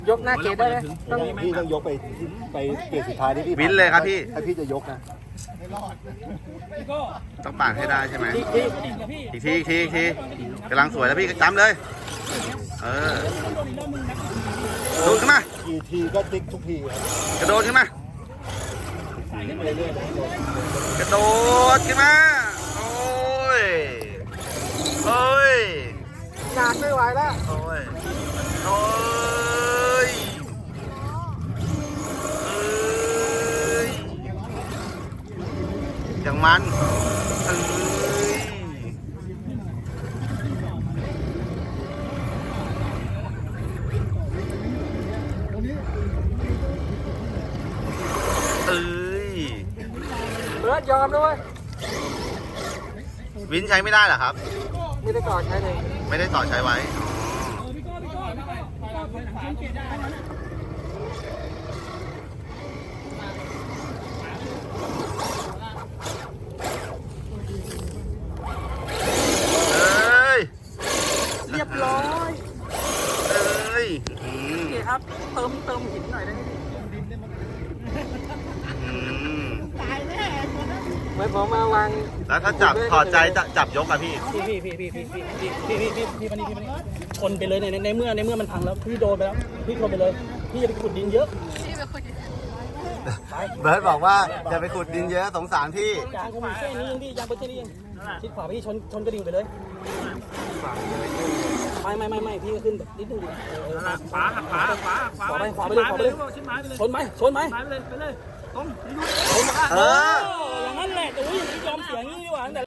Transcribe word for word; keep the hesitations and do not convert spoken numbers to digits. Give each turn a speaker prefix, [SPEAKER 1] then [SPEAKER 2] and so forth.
[SPEAKER 1] ยกหน้าเกตได้ไหมต้อง
[SPEAKER 2] พี่ต้องยกไปไปเกตสุดท้ายที่พี่
[SPEAKER 3] วินเลยครับพี่
[SPEAKER 2] ถ้าพี่จะยกนะ
[SPEAKER 3] ต้องปาดให้ได้ใช่ไหม
[SPEAKER 1] ที่ที่
[SPEAKER 3] อีกทีอีกทีอีกทีกำลังสวยแล้วพี่จำเลย เออโดดขึ้นมา
[SPEAKER 2] กี่ทีก็ติ๊กทุกทีครับ
[SPEAKER 3] กระโดดขึ้นมา กระโดดขึ้นมา โอ้ย โอ้ย
[SPEAKER 1] งานไม่ไหวแล้ว
[SPEAKER 3] โอ้ย โอ้ยเอ้ยอย่างมันเอ้ยเอ้ย
[SPEAKER 1] เบิร์ดยอมด้วย
[SPEAKER 3] วินใช้ไม่ได้เหรอครับ
[SPEAKER 1] ไม่ได้ก่อนใช้เลย
[SPEAKER 3] ไม่ได้ต่อใช้ไว้เอ้ย
[SPEAKER 1] เรียบร้อย
[SPEAKER 3] เอ้ยอืม
[SPEAKER 1] นี่ครับเติมเติมหินหน่อยได้ไหม
[SPEAKER 3] อืม
[SPEAKER 1] เหมือนผมมาวาง
[SPEAKER 3] แล้วถ้าจับถอดใจจะจับยกอะพี่
[SPEAKER 4] พี่พี่พี่พี่พี่พี่พี่พี่พี่พี่มานี่พี่มานี่ชนไปเลยในในเมื่อในเมื่อมันพังแล้วพี่โดนไปแล้วพี่ชนไปเลยพี่อย่าไปขุดดินเยอะ
[SPEAKER 3] เบิร์ดบอกว่าจะไปขุดดินเยอะสงสารพี่
[SPEAKER 4] ยางกูมีแค่นี้เองพี่ยางเป็นแค่นี้เองชิดขวาพี่ชนชนกระดิ่งไปเลยไม่ไม่ไม่ไม่พี่ก็ขึ้นแบบนิดนึงดิเออเออ
[SPEAKER 5] ขวาหักขวาหักขวาหักขวา
[SPEAKER 4] ขวาไปขวาไปเลยขวาไปเลย
[SPEAKER 5] ชิ้นไม้ไปเลย
[SPEAKER 4] ชนไหมชนไหม
[SPEAKER 5] ไม้ไปเลยไปเลยตรง
[SPEAKER 4] ชนไหม
[SPEAKER 3] เออ
[SPEAKER 4] อย่างนั้นแหละแต่ว่าอย่างนี้ยอมเสียงี้ดีกว่า